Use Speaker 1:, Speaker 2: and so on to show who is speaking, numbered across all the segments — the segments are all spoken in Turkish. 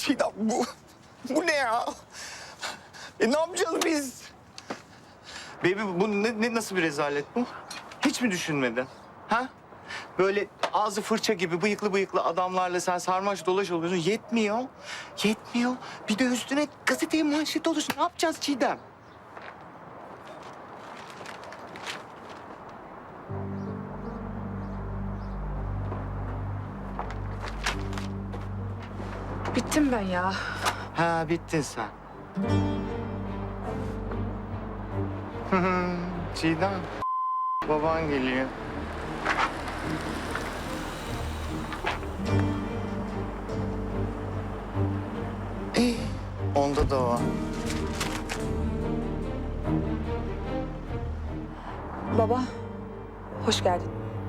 Speaker 1: Çiğdem bu ne ya? Ne yapacağız biz? Baby bu nasıl bir rezalet bu? Hiç mi düşünmedin? Ha? Böyle ağzı fırça gibi bıyıklı bıyıklı adamlarla sen sarmaş dolaş oluyorsun. Yetmiyor. Yetmiyor. Bir de üstüne gazeteye manşet olursun. Ne yapacağız Çiğdem?
Speaker 2: Bittim ben ya.
Speaker 1: Ha bittin sen. Çiğdem. Baban geliyor. Onda da var.
Speaker 2: Baba, hoş geldin.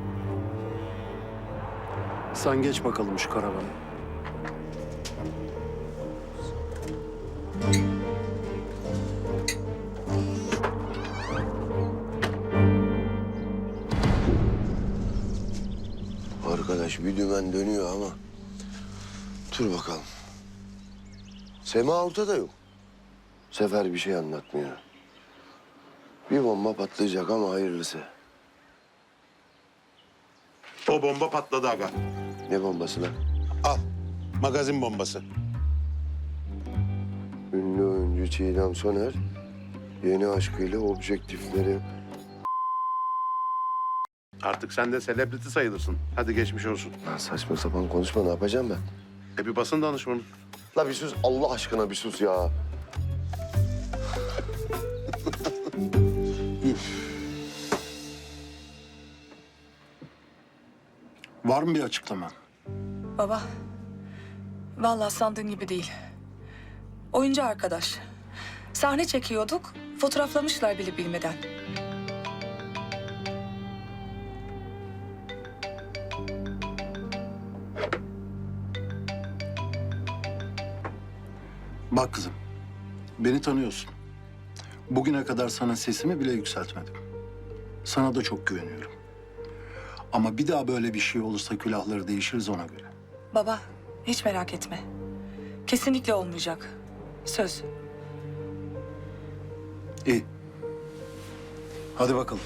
Speaker 3: Sen geç bakalım şu karavana.
Speaker 4: Arkadaş bir dümen dönüyor ama. Dur bakalım. Sema ortada yok. Sefer bir şey anlatmıyor. Bir bomba patlayacak ama hayırlısı.
Speaker 5: O bomba patladı aga.
Speaker 4: Ne bombası lan?
Speaker 5: Al. Magazin bombası.
Speaker 4: Ünlü oyuncu Çiğdem Soner yeni aşkıyla objektifleri...
Speaker 5: Artık sen de selebriti sayılırsın. Hadi geçmiş olsun.
Speaker 4: Lan saçma sapan konuşma, ne yapacağım ben?
Speaker 5: Bir basın danışmanı.
Speaker 4: La bir sus, Allah aşkına bir sus ya.
Speaker 3: Var mı bir açıklama?
Speaker 2: Baba, vallahi sandığın gibi değil. Oyuncu arkadaş. Sahne çekiyorduk, fotoğraflamışlar bile bilmeden.
Speaker 3: Bak kızım, beni tanıyorsun. Bugüne kadar sana sesimi bile yükseltmedim. Sana da çok güveniyorum. Ama bir daha böyle bir şey olursa külahları değişiriz ona göre.
Speaker 2: Baba, hiç merak etme. Kesinlikle olmayacak. Söz.
Speaker 3: İyi. Hadi bakalım.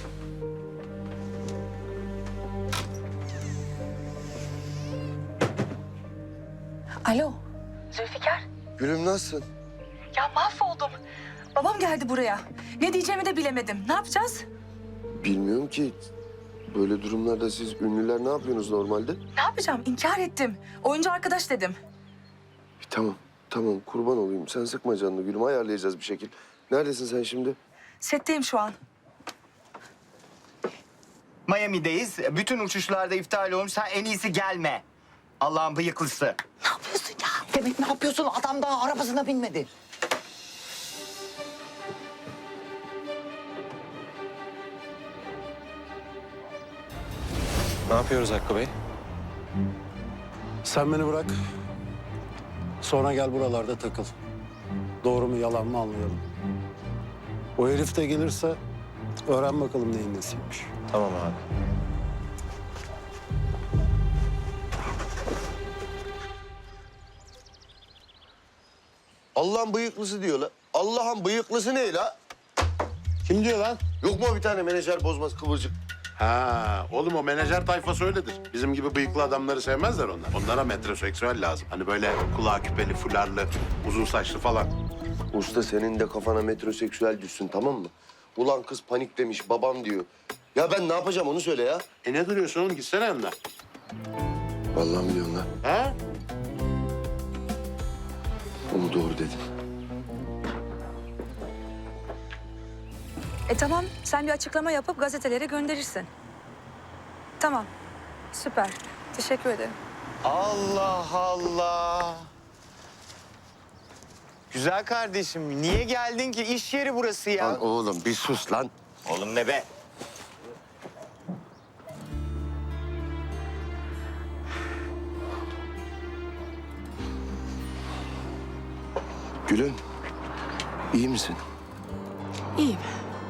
Speaker 2: Alo. Zülfikar.
Speaker 4: Gülüm nasılsın?
Speaker 2: Ya mahvoldum. Babam geldi buraya. Ne diyeceğimi de bilemedim. Ne yapacağız?
Speaker 4: Bilmiyorum ki. Böyle durumlarda siz ünlüler ne yapıyorsunuz normalde?
Speaker 2: Ne yapacağım? İnkar ettim. Oyuncu arkadaş dedim.
Speaker 4: Tamam, tamam kurban olayım. Sen sıkma canını gülüm, ayarlayacağız bir şekil. Neredesin sen şimdi?
Speaker 2: Setteyim şu an.
Speaker 1: Miami'deyiz. Bütün uçuşlarda iptal olmuş. Sen en iyisi gelme. Allah'ın bıyıklısı.
Speaker 6: Ne yapıyorsun ya? Demek ne yapıyorsun? Adam daha arabasına binmedi.
Speaker 7: Ne yapıyoruz Hakkı Bey?
Speaker 3: Sen beni bırak. Sonra gel buralarda takıl. Doğru mu yalan mı anlayalım. O herif de gelirse öğren bakalım neyin nesiymiş.
Speaker 7: Tamam abi.
Speaker 4: Allah'ın bıyıklısı diyor la. Allah'ın bıyıklısı ne la?
Speaker 5: Kim diyor lan?
Speaker 4: Yok mu bir tane menajer bozmaz kıvırcık?
Speaker 5: Ha, oğlum o menajer tayfası öyledir. Bizim gibi bıyıklı adamları sevmezler onlar. Onlara metroseksüel lazım. Hani böyle kulağı küpeli, fularlı, uzun saçlı falan.
Speaker 4: Usta senin de kafana metroseksüel düşsün, tamam mı? Ulan kız paniklemiş, babam diyor. Ya ben ne yapacağım onu söyle ya.
Speaker 5: Ne duruyorsun oğlum? Gitsene yanına.
Speaker 4: Vallahi mi diyorsun lan?
Speaker 5: Ha?
Speaker 4: Onu doğru dedin.
Speaker 2: Tamam, sen bir açıklama yapıp gazetelere gönderirsin. Tamam, süper. Teşekkür ederim.
Speaker 1: Allah Allah. Güzel kardeşim, niye geldin ki? İş yeri burası ya.
Speaker 4: Lan oğlum bir sus lan.
Speaker 1: Oğlum ne be?
Speaker 4: Gülüm, iyi misin?
Speaker 2: İyiyim.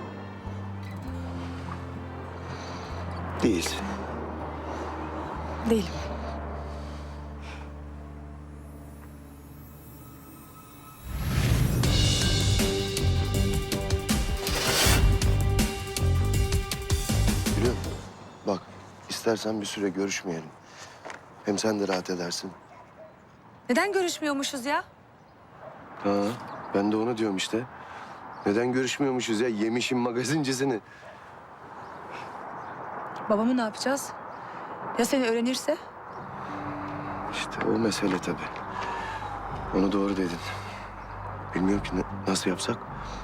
Speaker 4: Değilsin.
Speaker 2: Değilim.
Speaker 4: İstersen bir süre görüşmeyelim. Hem sen de rahat edersin.
Speaker 2: Neden görüşmüyormuşuz ya?
Speaker 4: Ha, ben de onu diyorum işte. Neden görüşmüyormuşuz ya? Yemişim magazincisini.
Speaker 2: Babamı ne yapacağız? Ya seni öğrenirse?
Speaker 4: İşte o mesele tabii. Onu doğru dedin. Bilmiyorum ki nasıl yapsak.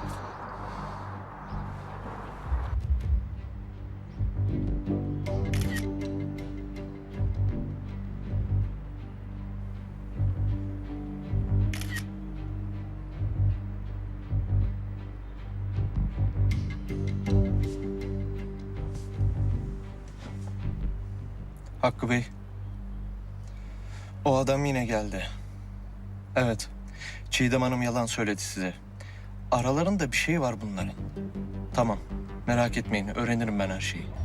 Speaker 7: Hakkı Bey. O adam yine geldi. Evet. Çiğdem Hanım yalan söyledi size. Aralarında bir şey var bunların. Tamam. Merak etmeyin. Öğrenirim ben her şeyi.